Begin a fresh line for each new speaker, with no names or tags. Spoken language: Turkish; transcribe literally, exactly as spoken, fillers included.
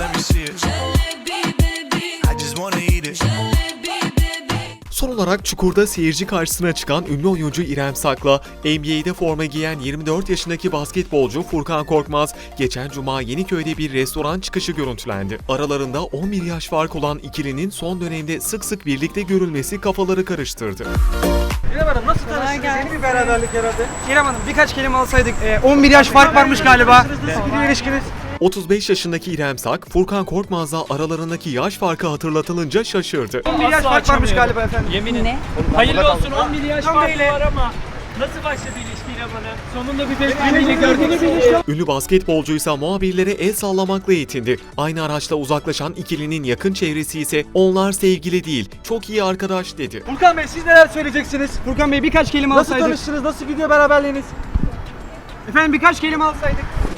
let me see it. I just wanna eat it.
Son olarak Çukur'da seyirci karşısına çıkan ünlü oyuncu İrem Sak'la N B A'de forma giyen yirmi dört yaşındaki basketbolcu Furkan Korkmaz, geçen cuma Yeniköy'de bir restoran çıkışı görüntülendi. Aralarında on bir yaş fark olan ikilinin son dönemde sık sık birlikte görülmesi kafaları karıştırdı.
İrem Hanım nasıl tanıştınız? Yeni bir beraberlik herhalde. İrem Hanım birkaç kelime alsaydık. E, on bir yaş fark varmış galiba. Nasıl bir ilişkiniz?
otuz beş yaşındaki İrem Sak, Furkan Korkmaz'la aralarındaki yaş farkı hatırlatılınca şaşırdı.
on bir yaş fark varmış galiba efendim.
Yemin
Ne?
Hayırlı olsun, on bir yaş
Tam
farkı
böyle.
var ama nasıl başladı ilişki İrem Hanım? Sonunda bir bebekliğini gördünüz mü?
Ünlü basketbolcuysa muhabirlere el sallamakla yetindi. Aynı araçla uzaklaşan ikilinin yakın çevresi ise onlar sevgili değil, çok iyi arkadaş dedi.
Furkan Bey siz neler söyleyeceksiniz? Furkan Bey birkaç kelime alsaydık. Nasıl tanıştınız? Nasıl gidiyor beraberliğiniz? Efendim birkaç kelime alsaydık.